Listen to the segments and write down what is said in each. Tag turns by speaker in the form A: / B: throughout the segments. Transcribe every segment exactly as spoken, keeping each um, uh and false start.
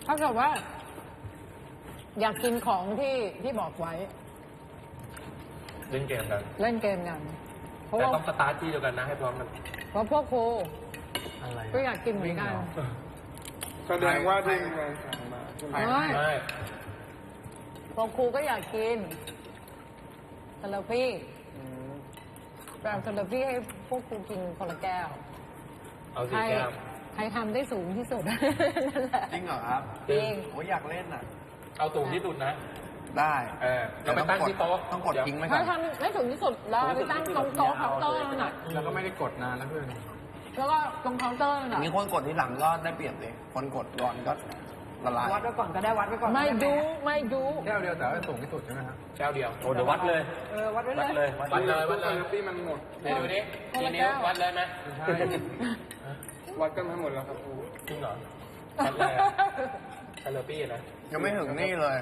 A: ถ้าเกิดว่า อยากกินของที่ที่บอกไว้
B: เล่นเกมกัน
A: เล่นเกมกันเพราะ
B: แต่
A: ว่า
B: ต้องสตาร์ทที่เดียวกันนะให้พร้อมกัน
A: เพราะพวกครู
C: อะไร
A: ก็อยากกินเหมือนกัน
D: แสดงว่าที่งานสั่งมาใช่ไหม
A: ไม่
B: ใช่
A: พวกครูก็อยากกินเซเลฟี่แบบเซเลฟี่ให้พวกครูกินคนละแก้ว
B: เอา
A: ใค
B: สี
A: ร
B: แก้ว
A: ใครทำได้สูงที่สุด นั่นแหละ
C: จริงเหรอครับ
A: จริง
C: โอ้ยอยากเล่นอ่ะ
B: เอาสูงที่สุดนะ
C: ได้
B: เออเราไปตั้งที่โต๊ะ
C: ต้องกดทิ้งไหมค
A: ถ้า
C: รับ
A: ทำไม่สูงที่สุดแล้วไปตั้งตรงโต๊ะเคาน์เตอร์นั่นน่ะ
C: แล้วก็ไม่ได้กดนานแล้วเพื่อน
A: แล้วก็ตรงเคาน์เตอร์นั่น
C: อย่าง
A: น่ะ
C: นี้คนกดที่หลังก็ได้เปรียบเลยคนกดก่อนก็ละลาย
E: วัดไว้ก่อนก็ได้วัดไว้ก่อน
A: ไม่ดูไม่ดู
C: แก้วเดียวแต่ว่าสูงที่สุดใช่ไหมครับ
B: แก้วเดียว
F: โอ้เดี๋ยววัดเลย
E: เออวัดไว้
F: วัด
E: เล
F: เลย ย
B: วัดเลยวัดเลย
D: ที่มันหมด
B: เดี๋ยวดูดิกี่นิ้ววัดเลยไหม
C: ใช่
D: วัดกันทั้งหมดแล้วครับครู
B: จริงเหรอวัดเลยคาร์ปี้นะ
C: ยังไม่ถึงนี่เลย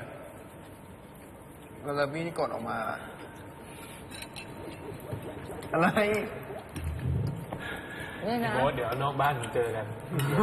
C: แล้วพี่ที่กดออกมา อะไร
A: นี่นะ
B: โอ้เดี๋ยวนอกบ้านเจอกัน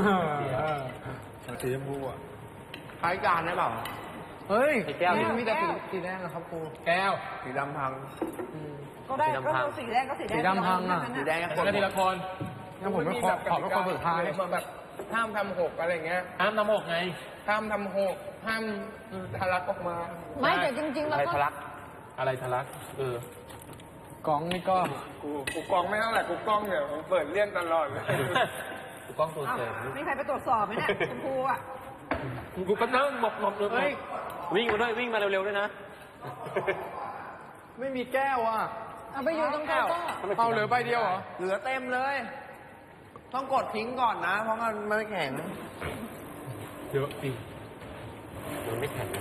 C: สีชมพูอ่ะคล้ายการได้เปล่าเฮ้ย
F: ไอ้แก้วนี่
C: มีแต่สีสีแดงนะครับครู
B: แก้ว
C: สีดำพัง
E: ก็ได้
F: สีดำ
E: ก็
F: พัง
E: เอาสีแดงก็สีแดง
C: สีดำพังอะ
E: สี
C: สี
E: แด
C: แด
E: ง
C: ง
B: แล้วก็ทีละคน
C: งั้นผมไม่ขอขอเป็นคนสุดท้าย
D: แบบห้ามทำหกอะไรเงี้ย
B: ห้ามน้ำหกไง
D: ห้ามทำหกห้ามทะลักออกมา
A: ไม่แต่จริงๆ แล้ว
F: อะไร
A: ก็
F: ทะลัก
B: อะไรทะลักเออก
C: ล่องนี่ก็
D: กูกูกล้องไม่เท่าไหร่กูกล้องเนี่ยเปิดเลี่ยนตลอดเลย
B: กูกล้องตัว
E: อ้าว
B: เสริม
E: มีใครไปตรวจสอบไหมเนี่ยคุณครูอ่ะ
B: กูก็นั่งหมกหมกเลย
C: เฮ้ย
F: วิ่งมาด้วยวิ่งมาเร็วๆด้วยนะ
C: ไม่มีแก้วอ่ะ
A: เอาไปอยู่ตรงเคาน์เตอร์
C: เอาเหลือใบเดียวเหรอ เหลือเต็มเลย ต้องกดทิ้งก่อนนะ เพราะมันมันแข็ง
B: เยอะจริงมันไม่แข็ง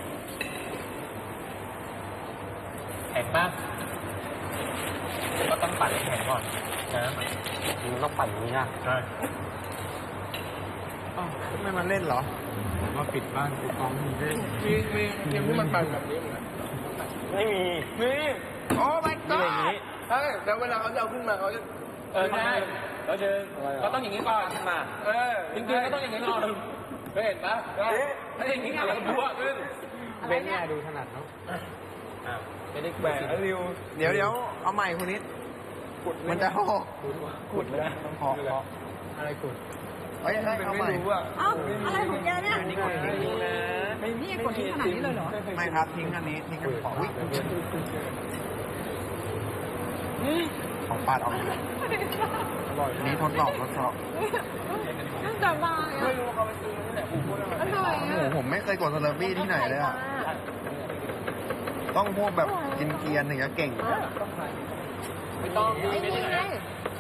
B: แข็งปะก็ต้องปั่นให้แข็งก่อนนะ
F: มันต้องปั่นอย่างนี้นะ
B: ใช่
C: อ้าวไม่มาเล่นเหรอมาปิดบ้านปิดกองมีเล่น
D: มีมีทีมที่มันปั่นแบบนี้เหมือนกัน
F: ไม่มี
D: มีโอ้ my
F: นี่อย่าง
D: god
F: นี้
D: ใช่แล้วเวลาเขาจะเอาขึ้นมาเขาจะ
B: เออใช่เราจะก็ต้องอย่างนี้ก่อน
F: มา
D: เออ
B: จริงๆก็ต้องอย่างนี้ก่อนเคยเห็นปะถ้าอย่างนี้เราบัวขึ้น
C: เบนเนี่ยดูถนัดเนาะ
B: อ่ะไม่ได้
D: แหมริว
C: เดี๋ยวเดี๋ยวเอาใหม่คุณนิด
D: ขุด
C: มันจะหก
D: ขุดเลย
C: ต้องขอขออะไรขุดเฮ้ย
D: เป็น
C: เอา
D: ไม่
C: ใหม่
D: รู้อ่ะ
E: เอ้าอะไรของแกเนี่ย
C: นี่กดทิ้งนะ
E: นี่กดทิ้งขนาดนี้เลยเหรอ
C: ไม่ครับทิ้งอันนี้ทิ้งอันขอวิ่งของปาดออกอันนี้ทดสอบทดสอบ
A: น่าจะมา
D: ไม่รู้เขาไปซื้อที่ไหนผมพูดอะไร
A: อร่อย
C: โอ้โห
A: อ่ะ
C: ผมไม่เคยกดสเลอร์บี้ที่ไหนเลยอ่ะ ต้องพวกแบบกินเกียนถึงจะเก่ง
B: ไม่ต้อง
A: ไอ้นี่ไง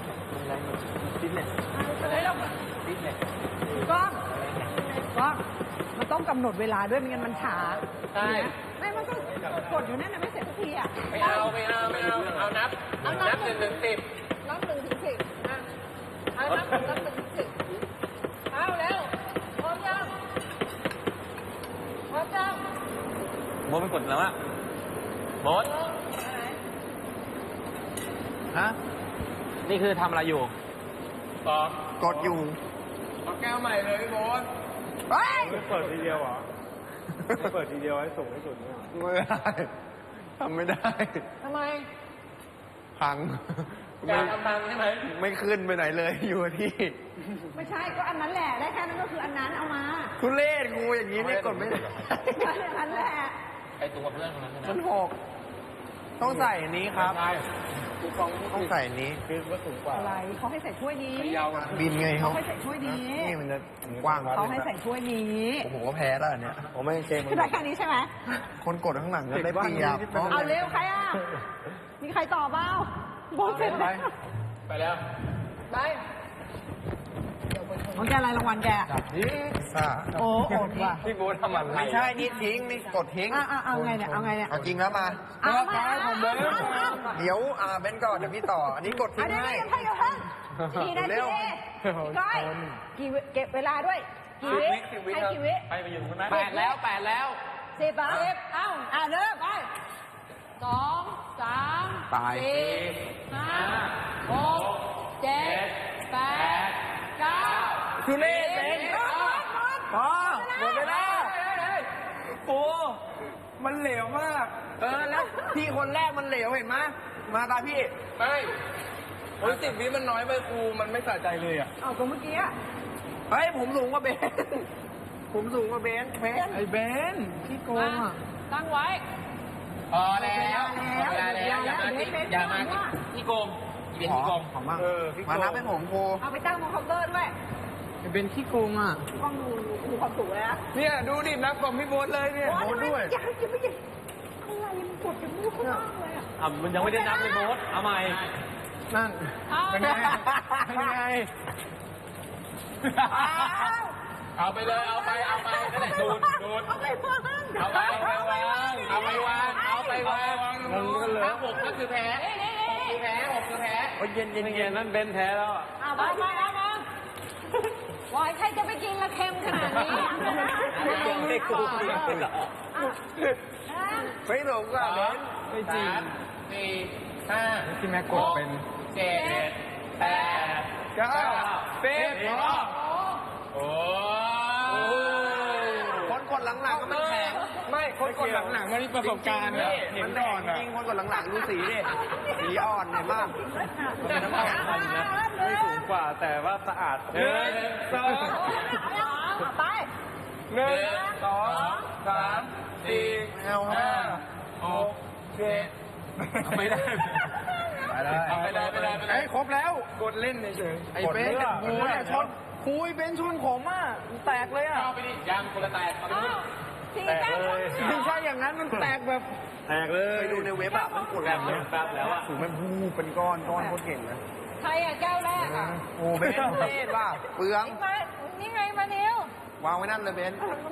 E: ก้องก้องมันต้องกำหนดเวลาด้วยไม่งั้นมันช้า
B: ใช่
E: ไม่มันก็กดอยู่นั่นน่ะไม่เสร็จสักทีอ่ะ
B: ไม่เอาไม่เอาไม่เอาเอานับนับหนึ่งถึงสิบ
A: นับหนึ่งถึงสิบอ่ะเอานับนับหนึ่งถึงสิบเอาแล้วพร้อมยังพร้อมยัง
F: โมไปกดแล้วอะ
B: หมด
C: ฮะ
F: นี่คือทำอะไรอยู่
B: สอง
C: กดอยู่
D: เอาแก้วใหม่เลยพี่โบ๊ท
E: เฮ้ย
D: เปิดทีเดียวเหรอเปิดทีเดียวให้สูงที่สุดเนี่ย
C: ไม่ได้ทำไม่ได้
A: ทำไม
C: พัง
B: อยากทำตังใช่ไหม
C: ไม่ขึ้นไปไหนเลยอยู่ที่
E: ไม่ใช่ก็อันนั้นแหละได้แค่นั้นก็คืออันนั้นเอามา
C: ทุเรศกูอย่างนี้เนี่ยกดไม่ได้
E: อันนั้นแหละ
B: ไอตัวเพื่อนคนนั้น
C: มันหกต้องใส่อันนี้ครับ
B: ใช่
D: กูกอง
C: ต้องใส่อันนี้
D: คือว่าสูงกว่า
E: อะไรเขาให้ใส่ถ้วยนี้
D: ยาวอ่ะ
C: บินไง
E: เขา
C: เขา
E: ให้ใส่ถ้วยนี้
C: นี่มันจะกว้าง
E: เขาให้ใส่ถ้วยนี้
C: ผมก็แพ้แล้วอันเนี่ยผมไม่เกม
E: คือได้แค่นี้ใช่ไหม
C: คนกดข้างหลังก็ได้เปรียบ
E: เอาเร็วใครอ่ะมีใครตอบเปล่าโบเสร็จแล้ว
B: ไปแล้ว
A: ไป
E: ของแกอะไรรางวัลแก
C: นี่ซ่า
E: โอ้โอดว่ะ
D: พี่โบ๊ททำอะไร
C: ไม่ใช่นี่ทิ้งนี่กดทิ้ง
E: อ่ะอ่ะเอาไงเนี่ยเอาไงเนี่ย
C: เอาจริงแล้วมา
E: เอามาเอามาเอามา
C: เดี๋ยวอ่าเบนก่อนเดี๋ยวพี่ต่อ อันนี้กด
E: เอา
C: ทิ้ง
E: เดี๋ยว
C: ให้
E: เดี๋ยวให้เดี๋ยวให้กี่นา
C: เร็
E: ที
C: ว
E: พี่ก้อยกี่วิเก็บเวลาด้วยกี่วิให้กี่วิ
F: ไปไปอยู่ตรงนั้น
B: แปดแล้วแปดแล้ว
E: สิบอ่ะ
A: สิบเอ้า
E: อ่ะเริ่มไป
A: สองสาม
C: ตาย
A: สี่ห้าหกเจ็ดแปดเก้า
C: ทุเรศเบน
E: หมดหมด
C: พอหมดเวลา
E: เ
C: มันเหลวมาก เออแล้วพี่คนแรกมันเหลวเห็นไหมมาตาพี่
B: ไม่โอ้ยสิบวิมันน้อยไปครูมันไม่สะใจเลยอ่ะ
E: เอาตรงเมื่อกี้อะ
C: เฮ้ยผมสูงกว่าเบนผมสูงกว่าเบนเบน
D: ไอ้เบนขี้โกงอ่ะ
A: ตั้งไว้
B: พอแล้วพอแล้วอย่ามาที่อย่ามาที่ที่โกงอีเวนต์ที่โกง
C: ของมาก
D: เออขี้โกง
C: มานับให้ผมครู
E: เอาไปตั้งบนเคาน์เตอร์ด้วย
D: ไอ้เบนขี้โกงอ่ะ
E: กล้องดูดูความสูงเลยนะ
B: เนี่ยดูดินับของพี่โบ๊ทเลยเนี่ย
E: โอ้ยด้วยยังจะไม่ยังอะไรมันปวดจมูกข้างล่างเลยอะ
F: อ่ะมันยังไม่ได้นับเลยโบ๊ทเอาใหม่
D: นั่น
A: เอา
D: เป็นไงเป็นไง
B: เอาไปเลยเอาไปเอาไปนั่นแหละดูดดูด
E: เอาไปวาง
B: เอาไปเอาไปวางเอาไปวางเอาไปวาง
D: งงกันเลย
B: ถ้าหกก็คือแพ้หกคือแพ้หกคือแพ้
F: โอ้ยเย็นเย็นเย็นนั่นเบนแพ้แล้วอะ
E: เอา
A: เอา
E: ไป
A: มาเอามาบอยใครจะไปกินละเค็มขนาดนี้
F: ไม่กูไม่เหรอ
C: ไม่หลงอ่ะเบน
D: ไม่จริง
B: สามสี่ห้า
D: ที่แม่กดเป็น
B: เจ็ดแปด
D: เก้า
B: สิบโอ้
C: คนกดหลังๆก็มันแข็ง
D: ไม่คนกดหลังๆมันมีประสบการณ์นะเห็
C: มัน น
D: ก่
C: แข็
D: อง นอ่ะ
C: จริงคนกดหลังๆดูสีดิสีอ่อนเห็นมาก
F: มันเป็นน้ำมันทันนะไม่สูงกว่าแต่ว่าสะอาด
B: หนึ่งสอง
E: เอาไป
B: หนึ่งสองสามสี่
C: เอาครั
B: ห้า
C: บ
B: หกเจ็ดไม่ได้ เอาไปเลยไปเลยไปเลย
D: ไอ้ครบแล้วกดเล่นเฉยไอ้เบนกับกูเนี่ยชนคุยเบนชนผมอ่ะแตกเลยอ่ะ
B: เอาไปดิยางคนละแตกเอาไปดิ
A: สี่
F: แตก
A: แต้ม
F: เลย
D: ไม่ใช่อย่างนั้นมันแตกแบบ
F: แตกเลย
C: ไปดูในเว็บอะมันกด
F: แต
C: แร
F: ก
C: ง
F: เล
C: เลย ย
F: แป๊บแล้วอะ
C: สูงมันพูเป็นก้อนก้อนโคตรเก่งนะ
A: ใครอ่ะแก้วแรกอ่ะ
C: โอ้เบนเทศว่ะเปลือง
A: นี่มานี่ไงมานิว
C: วางไว้นั่นเลยเบน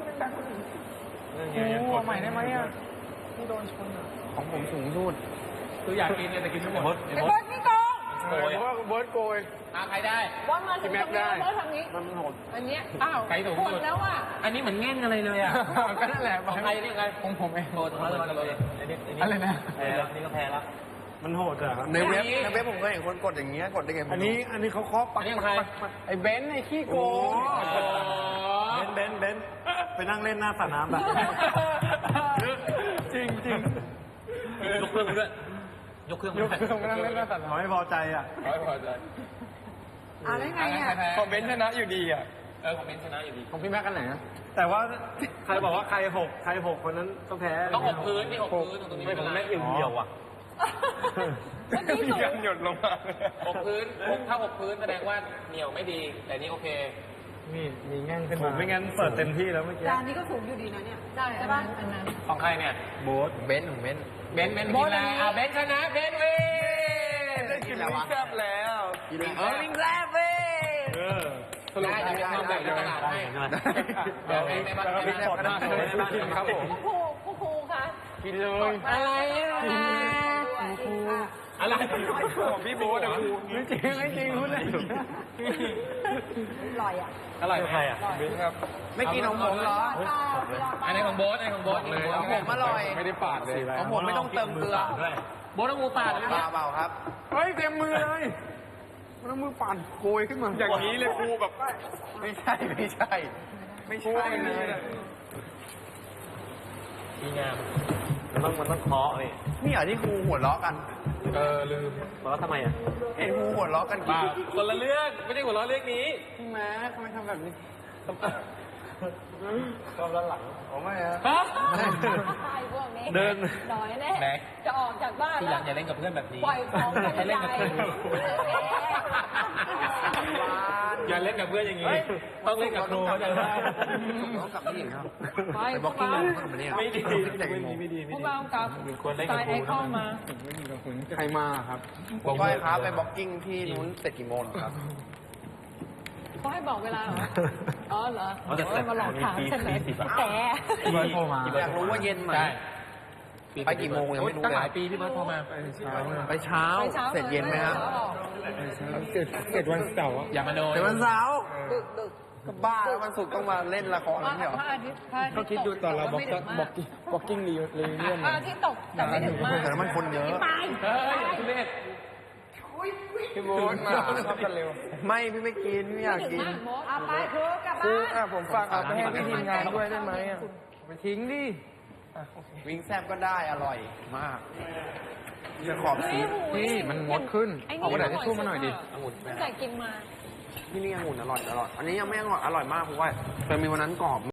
D: กูเอาใหม่ได้ไหมอ่ะที่โดนชนอ่ะ
C: ของผมสูงสุด
B: คืออยากกินเนี่ยแต่กินไม่หมด
F: โบ๊ท
A: ไอ้บอสนี่โกง
F: โกย
D: เพราะว่าเบิร์ดโกย
B: อ่ะใครได้
A: บอสมาถึงตรงนี้บอสทางนี้
F: มันโหด
A: อันเนี้ยอ้าว
B: ใครถูก
A: หมดแล้วอ่ะ
B: อันนี้เหมือนแง่งอะไรเลยอ่ะ
D: ก็นั่นแหละ
B: ของใครนี่ไง
D: ของผมเอง
B: โอ้ของเราเลย
D: อะไรนะ
F: แพ้แล้วนี่ก็แพ้แล้วมันโหดอ่ะ
C: ในเว็บในเว็บผมเคยเห็นคนกดอย่างเงี้ยกดได้ไง
D: อันนี้อันนี้เขาเคาะปักไอ้เบนซ์ไอ้ขี้โกง
F: เบนเบนเบนไปนั่งเล่นหน้าสระน้ำแบบ
D: จริงจริง
F: ยกเครื่องด้วยยกเครื่อง
D: ยกเครื่องมานั่งเล่นหน้าสัตว์
F: เขาไม่พอใจอ่ะ
B: ร้อยพอใจ
E: เอาได้ไงอ่ะ
D: ของเบนซ์ชนะอยู่ดีอ่ะ
B: เออของเบนชนะอยู่ดี
D: ของพี่แม็กกันไหนนะ
F: แต่ว่าใครบอกว่าใครหกใครหกคนนั้นต้องแพ้
B: ต้องหกพื้นนี่หกพื้นตรงนี้
F: ไม่
B: ไม่
F: ผ
B: เป็นไร
F: มแม่เอี่ยวเหี่ยวอ่ะ
A: เมื่อกี้
D: มี
A: สูง
D: การหยดลงมา
B: หกพื้นถ้าหกพื้นแสดงว่าเหนียวไม่ดี แต่นี่โอเค
D: นี่มีแง่งขึ้น
F: ผม
D: มา
F: ไม่งั้นเปิดเต็มที่แล้วเมื่อกี้
E: จานนี้ก็สูงอยู่ดีนะเนี่ย
A: ใช่อันนั้นอันนั้น
B: ของใครเนี่ย
F: โบ๊ท
C: เบนของเบน
B: เบนเบนกินอะไรอ่ะเบนชนะเบนเว้ย
C: ได้กินแล้ววะ
B: แซ่บแล้ว
C: กินเออลิงแซ่บเว้ย
F: เออ
B: สรุปได้จะมาแบ่งในตลาดให้เดี๋ยวในบ้านในบ้านครับผม
A: ครูครูครูคะ
D: กินเลย
A: อะไรอ่ะ
D: ครู
B: อะไร
D: ของพี่โบ๊ทอะครูไม่จริงไม่จริงพูดเลย
E: อร่อยอ่ะ
B: อร่อยใครอ่ะ
D: เบนซ์ครับ
C: ไม่กินของผมเหรอ
B: อันนี้ของโบ๊ทอันนี้ของโบ๊ท
C: ของผมอร่อย
D: ไม่ได้ปาดเลย
C: ของผมไม่ต้องเติมเกลือ
B: โบ๊ทต้องงูปาดเลย
C: เปล่าเปล่าครับ
D: เฮ้ยเต็มมือเลยมันเอามือปั่นโกยขึ้นมาอย่างนี้เลยครูแบบ
C: ไม่ใช่ไม่ใช่ ไม่ใช่เลย
B: ดีงาม
F: มันต้องมันต้องเคาะเลย
C: นี่เหรอที่ครูหัวเราะกัน
B: เออลืม
F: บอกว่าทำไมอ่ะ
C: เห็นครูหัวเราะกันกี่
B: บ้าคนละเรื่องไม่ได้หัวเราะเรื่องนี้
D: พี่แม่ทำไมทำแบบนี้
F: ชอบด้านหลัง
C: ผมไม่ฮะ
B: ฮะ
A: ใช่พวกนี้
F: เดิน
A: หน่อยแน่
B: แม็ก
A: จะออกจากบ้าน
B: ทีห
A: แล้
B: ลั
A: ว
B: งอย่าเล่นกับเพื่อนแบบนี้
A: ปล่อยของกัน
B: ให้
A: ให
B: เล่น
A: ญ่
B: กับเพื่อนอย่าเล่นกับเพื่อนอย่างนี้ ต้องเล่นกับครูเข้าใจไหม
C: ต้องกลับนี่ครับ
A: ไป
C: ไปบล็อกกิ้งเลยต้องกลับมาเนี่ย
F: ไม่ดี
C: แต่กี่โมง
F: ไม่ดี
A: พ
F: ไม่
A: วก
F: ดี
A: เรากับ
B: ควรเล่น
A: ส
B: กับ
A: ไตล์
B: ค
A: ไอ
B: รู
A: คอนมา
D: ใครมาครับ
C: บอกก้อยครับไปบล็อกกิ้งที่นู้นเสร็จกี่โมงครับ
A: เขาให้บอกเวลาเหรอ อ๋อเหรอ
F: อ๋อแต่
A: เดี๋ยวมาหลอกถามฉันเลย
F: ปีสิบ
A: แก
D: พี่เบิร์ดโทรมา
C: อยากรู้ว่าเย็นไหม
B: ใช่
C: ไปกี่โมงยังไม่รู้เลย
B: ตั้งหลายปีที่เบิร์ดโทรมา
C: ไปเช้า
A: ไปเช้า
C: เสร็จเย็นไหมฮะ
D: เสร็จเสร็จวันเสาร์อะ
B: อย่ามาโดน
C: เสร็จวันเสาร์
A: ดึกดึก
C: ก็บ้าแล้ววันศุกร์ต้องมาเล่นละคร
A: พระ
C: นี่เหรอ
A: พระอาทิตย์พระอาทิตย์
D: ก็คิดดูตอนเราบล็อก
A: ไม่ดึก
D: บ
A: มา
D: ล็อก กกิ้งบล็อกกิ้งรีเรียน
A: พระอาทิตย์ตกแต่ไม่ดึกมาก
C: แต่แล้วมันคนเยอะ
A: ตาย
B: เฮ้ยทุเรศ
D: พี่โบ๊ทมาชอบกันเร็ว
C: ไม่พี่ไม่กินไม่อยากกิน
E: เอาไปครูกลับ
D: ครู
E: บ้าน
D: อ่ะผมฝากเอาไปให้พี่ทีมงานด้วยได้ไหมอ่ะไปทิ้งดิ
C: วิงแซบก็ได้อร่อยมากจะขอบชีส
F: พี่มันมดขึ้น
A: ไอ้นี่
F: เอากระดาษทิชชู่มาหน่อยดิ
C: องุ่น
A: ตั้งแต่กินมา
C: ที่นี่องุ่นอร่อยอร่อยอันนี้ยังไม่อร่อยอร่อยมากเพราะว่าเคยมีวันนั้นกรอบ